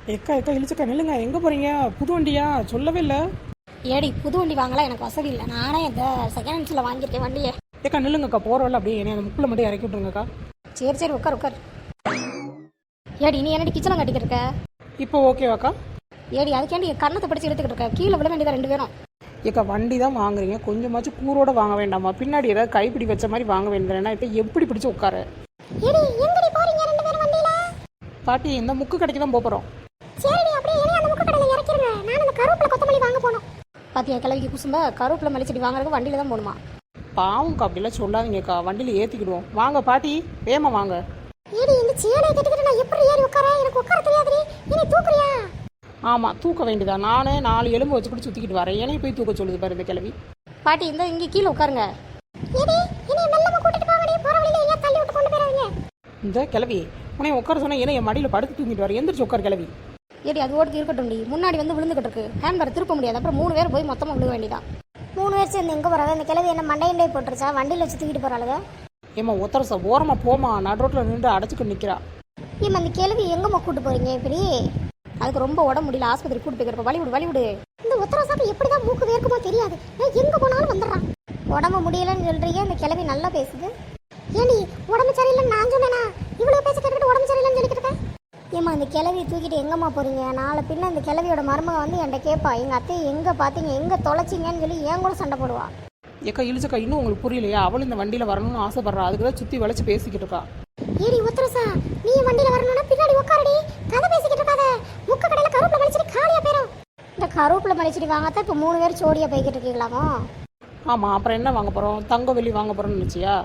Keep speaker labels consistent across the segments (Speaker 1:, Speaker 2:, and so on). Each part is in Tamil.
Speaker 1: எக்கா எக்கா இழிச்சக்கா நில்லுங்க, எங்கே போகிறீங்க? புது வண்டியா? சொல்லவே இல்லை.
Speaker 2: ஏடி புது வண்டி வாங்கலாம் எனக்கு வசதி இல்லை. நானே இந்த செகண்ட் ஹேண்ட்ஸில் வாங்கியிருக்கேன் வண்டியை.
Speaker 1: ஏக்கா நில்லுங்கக்கா, போகிறோம்ல அப்படியே என்னை அந்த முக்கில் மட்டும் இறக்கி விட்ருங்கக்கா.
Speaker 2: சரி சரி உட்கார் உட்கார். ஏடி நீ என்னடி கிச்சனை கட்டிக்கிட்டு இருக்க?
Speaker 1: இப்போ ஓகேவாக்கா?
Speaker 2: ஏடி அதுக்கேண்டி கண்ணத்தை படிச்சு எடுத்துக்கிட்டு இருக்க? கீழே விட வேண்டியதா ரெண்டு பேரும்.
Speaker 1: ஏக்கா வண்டி தான் வாங்குறீங்க, கொஞ்சமாச்சும் கூரோட வாங்க வேண்டாமா? பின்னாடி ஏதாவது கைப்பிடி வச்ச மாதிரி வாங்க வேண்டியதுனா இப்போ எப்படி பிடிச்சி உட்கார?
Speaker 2: ஏடி எங்கடி போறீங்க ரெண்டு பேரும் வண்டியில?
Speaker 1: பாட்டி இந்த முக்கு கடைக்கு தான் போகிறோம்.
Speaker 2: சரிடி அப்படியே என்னைய அந்த முக்கு கடையில் இறக்கிருங்க. நான் அந்த கருவேப்பிலை கொத்தமல்லி வாங்க போகணும். பாத்தியா கிளவிக்கு குசும்ப கருவேப்பிலை மல்லிச்செடி வாங்குறதுக்கு வண்டியில தான் போகணுமா?
Speaker 1: பாவம்க்கா அப்படிலாம் சொல்லாதீங்கக்கா, வண்டியில் ஏற்றிக்கிடுவோம். வாங்க பாட்டி, வேமா வாங்க.
Speaker 2: ஏடி இந்த சேலையை கட்டிக்கிட்டு நான் எப்படி ஏறி உட்கார? எனக்கு உட்கார தெரியாதுடி. நீ தூக்குறியா?
Speaker 1: ஆமாம் தூக்க வேண்டியதா, நானே 4 எலும்பு வச்சுக்கிட்டு சுற்றிக்கிட்டு வரேன். என்னையும் போய் தூக்க சொல்லுது பாரு இந்த கிளவி.
Speaker 2: பாட்டி இந்த இங்கே கீழே உட்காருங்க. ஏடி என்னைய மெல்லமா கூட்டிட்டு போங்கடி, போற வழியில எங்க தள்ளி விட்டு கொண்டு போறாதீங்க.
Speaker 1: இந்த கிளவி உன்னை உட்கார சொன்னா ஏன்னா என் மடியில் படுத்து தூங்கிட்டு வர, எந்திரிச்சு உட்கார் கிளவி.
Speaker 2: ஏடி அது ஓட்டு இருக்கட்டும்டி, முன்னாடி வந்து விழுந்துகிட்டு இருக்கு. ஹேண்ட்பேர் திருப்ப முடியாது, அப்புறம் 3 பேர் போய் மொத்தமாக விழுக வேண்டியதான். 3 பேர் சேர்ந்து எங்கே போகிறாங்க? இந்த கிளவி என்ன மண்டையண்டே போட்டுருச்சா? வண்டியில் வச்சு தூக்கிட்டு போகிறாளுங்க.
Speaker 1: ஏம்மா ஒத்தரசா ஓரமாக போமா, நடு ரோட்டில் நின்று அடைச்சிக்கிட்டு நிற்கிறா.
Speaker 2: ஏம்மா அந்த கிளவி எங்கம்மா கூட்டு போகிறீங்க இப்படி? அதுக்கு ரொம்ப உடம்பு முடியல, ஆஸ்பத்திரி கூட்டு போய்க்கிறப்ப வழி விடு. இந்த உத்தரவாசாக்கு எப்படி தான் மூக்கு வேர்க்குமோ தெரியாது, எங்கே போனாலும் வந்துடுறான். உடம்பு முடியலன்னு சொல்கிறீங்க, இந்த கிளவி நல்லா பேசுது. ஏடி உடம்பு சரியில்லைன்னு நான் சொன்னேனா? இவ்வளோ பேச கேட்டுக்கிட்டு உடம்பு சரியில்லைன்னு சொல்லிக்கிட்டு இருக்கேன். ஏம்மா இந்த கிளவியை தூக்கிட்டு எங்கம்மா போகிறீங்க? நாளை பின்ன இந்த கிளவியோட மருமக வந்து என்கிட்ட கேட்பா, எங்கள் அத்தையை எங்கே பார்த்தீங்க, எங்கே தொலைச்சிங்கன்னு சொல்லி ஏன் கூட சண்டை போடுவா.
Speaker 1: ஏக்கா இழிச்சக்கா, இன்னும் உங்களுக்கு புரியலையா? அவள் இந்த வண்டியில் வரணும்னு ஆசைப்படுறா, அதுக்கு தான் சுற்றி வளைச்சு பேசிக்கிட்டு இருக்கா.
Speaker 2: ஏடி உத்தரசா, நீ வண்டியில் வரணும்னா பின்னாடி உட்காரடி, கதை பேசிக்கிட்டு இருக்காத. முக்க கடையில் கருவேப்பிலை மலிச்சடி காலியாக போயிடும். இந்த கருவேப்பிலை மலிச்சடி வாங்கத்தான் இப்போ 3 பேர் சோடியாக போய்கிட்டு இருக்கீங்களாமோ?
Speaker 1: ஆமாம், அப்புறம் என்ன வாங்க போகிறோம்? தங்க வெள்ளி வாங்க போகிறோம்னு நினச்சியா?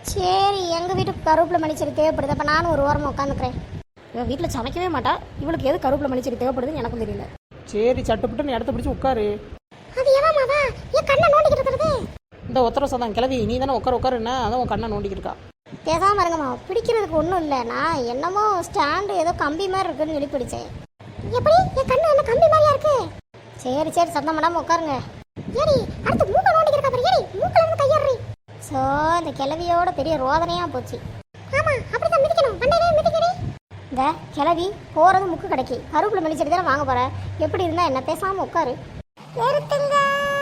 Speaker 2: சரி எங்கள் வீட்டுக்கு கருவேப்பிலை மலிச்சடி தேவைப்படுது, அப்போ நானும் ஒரு ஓரமாக உட்காந்துக்கிறேன். இவன் வீட்டில் சமைக்கவே மாட்டா, இவளுக்கு எது கருவேப்பிலை மலிச்சடி தேவைப்படுதுன்னு எனக்கும் தெரியல.
Speaker 1: சரி சட்டுப்பட்டு இடத்த பிடிச்சி உட்காரு.
Speaker 2: அது எவாமாவா என் கண்ணை நோண்டிக்கிட்டு இருக்கிறது?
Speaker 1: இந்த ஒத்தரசா தான் கிளவி, நீ தானே உட்காருன்னா அதான் உன் கண்ணை நோண்டிக்கிட்டு இருக்கா.
Speaker 2: பேசாமல் இருங்கம்மா, பிடிக்கிறதுக்கு ஒன்றும் இல்லை. நான் என்னமோ ஸ்டாண்டு ஏதோ கம்பி மாதிரி இருக்குன்னு சொல்லி பிடிச்சேன். எப்படி என் கண்ணு என்ன கம்பி மாதிரியா இருக்கு? சரி சரி சத்தம் பண்ணாமல் உட்காருங்க. ஏடி அடுத்து மூக்க நோண்டிக்கிறக்கா பாரு. ஏடி மூக்கில் இருந்து கையறி. ஸோ இந்த கிளவியோட பெரிய ரோதனையாக போச்சு. ஆமாம் அப்படி தான் மிதிக்கணும், மண்டையிலே மிதிக்கடி. இந்த கிளவி போகிறது முக்கு கடைக்கு, கருவேப்பிலை மலிச்சடி தானே வாங்க போகிறேன். எப்படி இருந்தால் என்ன, பேசாமல் உட்காரு. நிறுத்துங்க.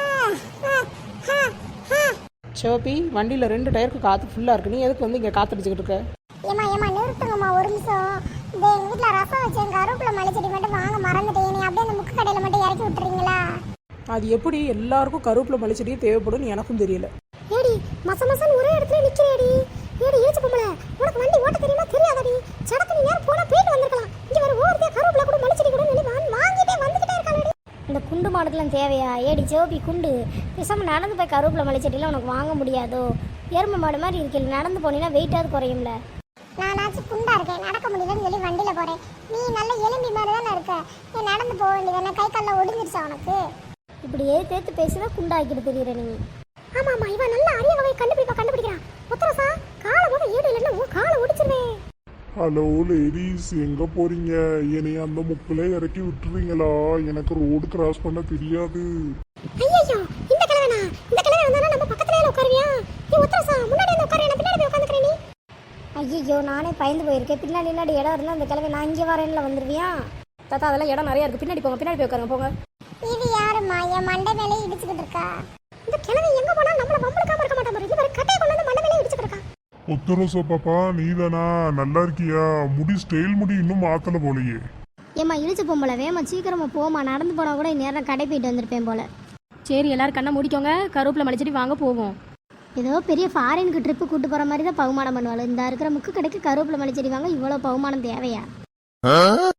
Speaker 1: சிவப்பி, வண்டியில் 2 டயருக்கு காற்று ஃபுல்லாக இருக்கு, நீ எதுக்கு வந்து இங்கே காத்தடிச்சுக்கிட்டு இருக்க?
Speaker 2: ஏமா நிறுத்துங்கம்மா ஒரு நிமிஷம். இந்த எங்கள் வீட்டில் ரசம் வச்சேன், கருவேப்பிலை மல்லிச்செடி மட்டும் வாங்க மறந்துட்டேன். நீ அப்படியே அந்த முக்கு கடையில் மட்டும் இறக்கி விட்டுறீங்களா?
Speaker 1: அது எப்படி எல்லாருக்கும் கருவேப்பிலை மல்லிச்செடியும் தேவைப்படும் எனக்கும் தெரியல.
Speaker 2: ஏடி மசன்னு ஒரே இடத்துல நிற்கிறேடி. ஏடி ஏச்சு பொம்பளை, உனக்கு வண்டி ஓட்ட தெரியுமா தெரியாதடி? சடக்கு நீ நேரம் போனால் போயிட்டு வந்திருக்கலாம். இங்கே வர ஓரத்தையாக கருவேப்பிலை கூட மல்லிச்செடி கூட சொல்லி வாங்கிட்டே வந்துக்கிட்டே இருக்காளடி. இந்த குண்டு மாடுக்கெல்லாம் தேவையா? ஏடி ஜோபி குண்டு, பேசாமல் நடந்து போய் கருவேப்பிலை மல்லிச்செடிலாம் உனக்கு வாங்க முடியாதோ? எருமை மாடு மாதிரி இருக்கல, நடந்து போனீங்கன்னா வெயிட்டாவது குறையும்ல. நானாச்சும் குண்டா இருக்கேன், நடக்க முடியலன்னு சொல்லி வண்டியில் போகிறேன். நீ நல்ல எலும்பி மாதிரி தானே இருக்க, நீ நடந்து போக வேண்டியதானே? கை காலில் ஒடிஞ்சிருச்சா உனக்கு? இப்படி தேத்து பேசுனா குண்டாக்கிட்டு தெரியுற நீ. ஆமாம்மா, இவன் நல்ல அரிய வகை கண்டுபிடிக்கிறான். உத்தரசா காலை போக ஈடு இல்லைன்னா உன் காலை ஒடிச்சிருவேன்.
Speaker 3: ஹலோ லேடிஸ், எங்க போறீங்க? என்னைய அந்த முக்குல இறக்கி விட்டுறீங்களா? எனக்கு ரோடு கிராஸ் பண்ண தெரியாது.
Speaker 2: ஐயோ இந்த கிழவனா வந்தானா நம்ம பக்கத்துலயே உட்காருவியா? நீ உத்தரசா முன்னாடி வந்து உட்காரு, நான் பின்னாடி போய் உட்காந்துக்கிறேன். நீ ஐயோ நானே பயந்து போயிருக்கேன். பின்னாடி இடம் இருந்தா அந்த கிழவை நான் இங்கே வரேன்ல வந்துருவியா?
Speaker 1: தாத்தா அதெல்லாம் இடம் நிறையா இருக்குது, பின்னாடி போங்க, பின்னாடி போய் உட்காருங்க போங்க.
Speaker 2: இது யாருமா என் மண்டை மேலே இடிச்சுக்கிட்டு இருக்கா? இந்த கிழவை எங்க போனா நம்மள வம்பளுக்காம இருக்க மாட்டான் பாரு. இவர் கட்டையை கொண்டு வந்து மண்டை மேலே இடிச்சுக்கிட்டு இருக்கா.
Speaker 3: ஒத்தரசா பாப்பா, நீதானா? நல்லா இருக்கியா? முடி ஸ்டைல் முடி இன்னும் மாத்தல போலையே.
Speaker 2: ஏமா இழிச்சு பொம்பளை, வேமா சீக்கிரமா போமா. நடந்து போனா கூட நேரம் கடை போயிட்டு வந்திருப்பேன் போல.
Speaker 1: சரி எல்லாரும் கண்ணை முடிக்கோங்க, கருவேப்பிலை மல்லிச்செடி வாங்க போவோம்.
Speaker 2: ஏதோ பெரிய ஃபாரினுக்கு ட்ரிப்பு கூட்டு போற மாதிரி தான் பகுமானம் பண்ணுவாள். இந்த இருக்கிற முக்கு கடைக்கு கருவேப்பிலை மல்லிச்செடி வாங்க இவ்வளோ பகுமானம் தேவையா?